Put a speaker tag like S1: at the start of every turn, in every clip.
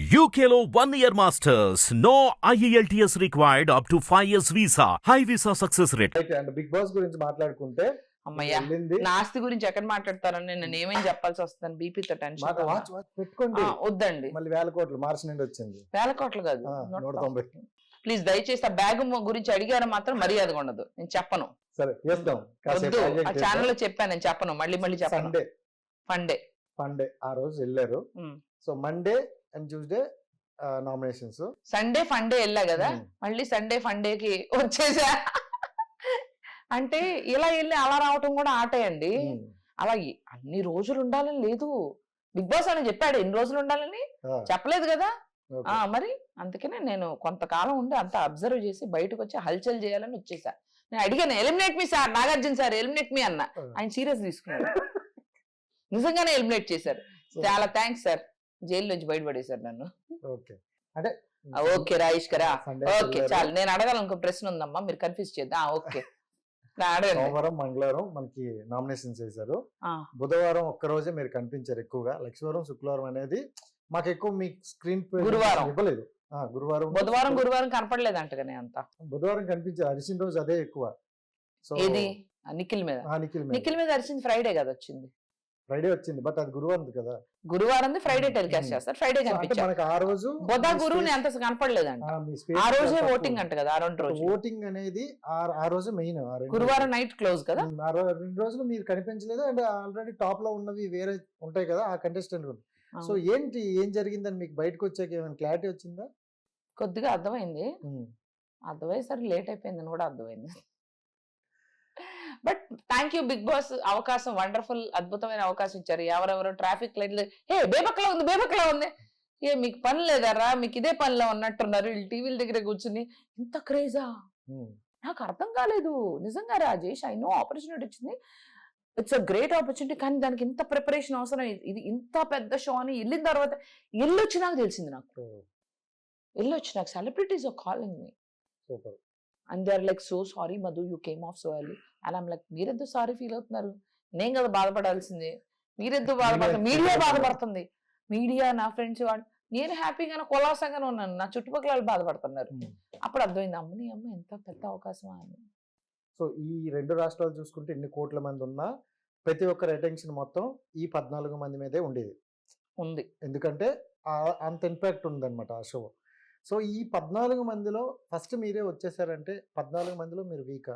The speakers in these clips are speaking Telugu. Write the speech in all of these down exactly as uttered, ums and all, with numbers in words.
S1: U K లో one year masters. No I E L T S required up to five years visa. High visa success rate.
S2: అయితే అండ్ బిగ్ బాస్ గురించి మాట్లాడుకుంటే
S3: అమ్మయ్యా
S2: వెళ్ళింది
S3: నా ఆస్తి గురించి ఎక్కడ మాట్లాడతారని నేను ఏమేం చెప్పాల్సి వస్తుంది బీపీతో టెన్షన్
S2: మాట వాచ్ వాచ్ పెట్టుకోండి
S3: వద్దండి
S2: మళ్ళీ వేల కోట్లు మార్చి నుండి వచ్చింది
S3: వేల కోట్లు కాదు
S2: ఆ, నూట తొంభై
S3: ప్లీజ్ దయచేసి ఆ బ్యాగ్ గురించి అడిగారు మాత్రం మర్యాదగా ఉండదు నేను చెప్పను
S2: సరే చేద్దాం
S3: వద్దు ఆ ఛానల్ లో చెప్పాను నేను చెప్పను మళ్ళీ మళ్ళీ చెప్పను
S2: సండే
S3: ఫండే
S2: సండే ఆ రోజు వెళ్ళారు so Monday and Tuesday nominations
S3: Sunday Funday వెళ్ళా కదా
S2: Hmm.
S3: మళ్ళీ సండే ఫండేకి వచ్చేసా అంటే ఇలా వెళ్ళి అలా రావటం కూడా ఆటే అండి అలా ఎ- అన్ని రోజులు ఉండాలని లేదు బిగ్ బాస్ అని చెప్పాడు ఎన్ని రోజులు ఉండాలని చెప్పలేదు కదా ఆ మరి అందుకనే నేను కొంతకాలం ఉండి అంతా అబ్జర్వ్ చేసి బయటకు వచ్చి హల్చల్ చేయాలని వచ్చేసా నేను అడిగాను eliminate me sir Nagarjuna sir eliminate me అన్న ఆయన సీరియస్ తీసుకున్నాడు నిజంగానే ఎలిమినేట్ చేశారు చాలా థ్యాంక్స్ సార్ జైలు నుంచి బయటపడేశారు నన్ను
S2: ఓకే అంటే
S3: ఓకే రాయిష్ కరా
S2: Sunday
S3: ఓకే
S2: వెళ్ళారు.
S3: చాలు నేను అడగాలనుకో ప్రశ్న ఉందమ్మా మీరు కన్ఫ్యూజ్ చేద్దాం ఓకే నా అడగండి
S2: సోమవారం మంగళవారం మనకి నామినేషన్స్ చేశారు
S3: ఆ,
S2: బుధవారం ఒక్క రోజే మీరు కనిపించారు ఎక్కువగా లక్ష్మీవారం శుక్రవారం అనేది మాకు ఎక్కువ మీ స్క్రీన్
S3: గురువారం.
S2: ఇవ్వలేదు ఆ, గురువారం
S3: బుధవారం గురువారం కనపడలేదు అంటగానే అంతా
S2: బుధవారం కనిపించారు అరిసిన రోజు అదే ఎక్కువ సో
S3: ఏది ఆ, నిఖిల్ మీద
S2: ఆ, నిఖిల్
S3: నిఖిల్ మీద అరిచింది ఫ్రైడే కదా వచ్చింది
S2: ఫ్రైడే వచ్చింది బట్ అది గురువారం కదా
S3: గురువారం ఫ్రైడే టెలికాస్ట్
S2: Hmm.
S3: చేస్తారు ఫ్రైడే
S2: సో అంటే
S3: కనిపించారు
S2: మనకి ఆ రోజు
S3: బుధ గురువుని అంత కనపడలేదంట ఆ రోజే ఓటింగ్ అంట కదా ఆ రెండు రోజులు
S2: ఓటింగ్ అనేది ఆ- ఆ రోజు మెయిన్
S3: గురువారం నైట్ క్లోజ్ కదా
S2: ఆ రో- రెండు రోజులు మీరు కనిపించలేదు అండ్ ఆల్రెడీ టాప్ లో ఉన్నవి వేరే ఉంటాయి కదా ఆ కంటెస్టెంట్ సో
S3: అవును.
S2: ఏంటి ఏం జరిగిందని మీకు బయటకు వచ్చాక ఏమైనా క్లారిటీ వచ్చిందా
S3: కొద్దిగా అర్థమైంది
S2: ఉమ్.
S3: అర్థమయ్యేసరికి లేట్ అయిపోయిందని కూడా అర్థమైంది but thank you big boss అవకాశం వండర్ఫుల్ అద్భుతమైన అవకాశం ఇచ్చారు ఎవరెవరో ట్రాఫిక్ లైట్లు ఏ బేబక్లా ఉంది బేబక్లా ఉంది ఏ మీకు పని లేదారా మీకు ఇదే పనిలో ఉన్నట్టున్నారు వీళ్ళు టీవీల దగ్గర కూర్చుని ఇంత క్రేజా
S2: ఉమ్.
S3: నాకు అర్థం కాలేదు నిజంగా రాజేష్ ఐ నో ఆపర్చునిటీ వచ్చింది ఇట్స్ అ గ్రేట్ ఆపర్చునిటీ కానీ దానికి ఇంత ప్రిపరేషన్ అవసరం ఇది- ఇది ఇంత పెద్ద షో అని వెళ్ళిన తర్వాత ఎల్లు వచ్చి నాకు తెలిసింది నాకు
S2: సో
S3: ఎల్లు వచ్చి నాకు celebrities are calling me
S2: super
S3: and they are like so sorry Madhu you came off so early and I'm like మీరెందుకు సారీ ఫీల్ అవుతున్నారు నేను కదా బాధపడాల్సింది మీరెందుకు బాధపడుతుంది మీడియా బాధపడుతుంది మీడియా నా ఫ్రెండ్స్ వాడు నేను హ్యాపీగానే కులాసంగానే ఉన్నాను నా చుట్టుపక్కల వాళ్ళు బాధపడుతున్నారు అప్పుడు అర్థమైంది అమ్మని అమ్మ ఎంత పెద్ద అవకాశమా అని
S2: సో ఈ రెండు రాష్ట్రాలు చూసుకుంటే ఎన్ని కోట్ల మంది ఉన్నా ప్రతి ఒక్కరి అటెన్షన్ మొత్తం ఈ పద్నాలుగు మంది మీదే ఉండేది
S3: ఉంది
S2: ఎందుకంటే ఆ- అంత ఇంపాక్ట్ ఉందన్నమాట ఆ షో సో ఈ పద్నాలుగు మందిలో ఫస్ట్ మీరే వచ్చేసారంటే పద్నాలుగు మందిలో మీరు వీకా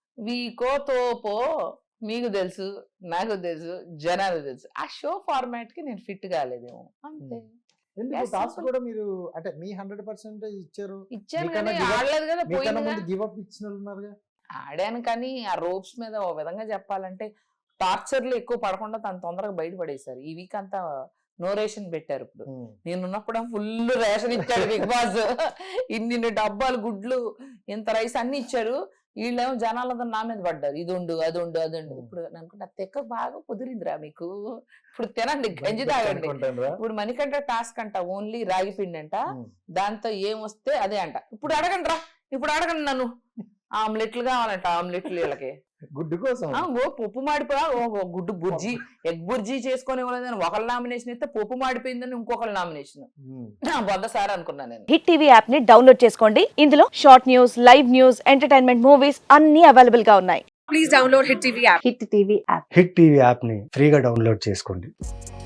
S3: వీకో తోపో మీకు తెలుసు నాకు తెలుసు జనాలు తెలుసు ఆ షో ఫార్మాట్ కి నేను ఫిట్ కాలేదేమో అంతే
S2: ఎందుకు
S3: Yes,
S2: టాస్క్
S3: simple.
S2: కూడా మీరు అంటే మీ హండ్రెడ్ పర్సెంటేజ్ ఇచ్చారు
S3: ఇచ్చాను
S2: మీకన్నా
S3: కానీ
S2: give up-
S3: ఆడలేదు కదా
S2: మీకన్నా
S3: పోయింది
S2: ముందు గివ్ అప్ ఇచ్చిన వాళ్ళు ఉన్నారుగా
S3: ఆడాను కానీ ఆ రోప్స్ మీద ఓ విధంగా చెప్పాలంటే టార్చర్లు ఎక్కువ పడకుండా తను తొందరగా బయటపడేశారు ఈ వీక్ అంతా నో రేషన్ పెట్టారు ఇప్పుడు
S2: ఉమ్.
S3: నేను ఉన్నప్పుడు ఫుల్ రేషన్ ఇచ్చాడు బిగ్ బాస్ ఇన్ని డబ్బాలు గుడ్లు ఇంత రైస్ అన్ని ఇచ్చారు వీళ్ళేమో జనాలంతా నా మీద పడ్డారు ఇది ఉండు అది ఉండు అది ఉండు
S2: Hmm.
S3: ఇప్పుడు అనుకుంటా తెక్క బాగా కుదిరిందిరా మీకు ఇప్పుడు తినండి గంజి తాగండి
S2: అనుకుంటానురా.
S3: ఇప్పుడు మణికంట టాస్క్ అంట ఓన్లీ రాగి పిండి అంట
S2: ఉమ్.
S3: దాంతో ఏం వస్తే అదే అంట ఇప్పుడు అడగండి రా ఇప్పుడు అడగండి నన్ను ఆమ్లెట్లు కావాలంట ఆమ్లెట్లు వీళ్ళకి
S2: గుడ్డు కోసం
S3: ఆ, ఓ పప్పు మాడిపోయా ఓ ఓ గుడ్డు బుర్జీ ఎగ్ బుర్జీ చేసుకొని ఇవ్వలేదని ఒకళ్ళ నామినేషన్ ఇస్తే పప్పు మాడిపోయిందని ఇంకొకళ్ళ నామినేషన్
S2: ఉమ్.
S3: బొద్ద సార్ అనుకున్నా నేను
S4: హిట్ టీవీ యాప్ ని డౌన్లోడ్ చేసుకోండి ఇందులో short news live news entertainment movies అన్ని అవైలబుల్ గా ఉన్నాయి
S5: please download Hit T V app.
S4: Hit TV app
S6: hit TV యాప్ని ఫ్రీగా డౌన్లోడ్ చేసుకోండి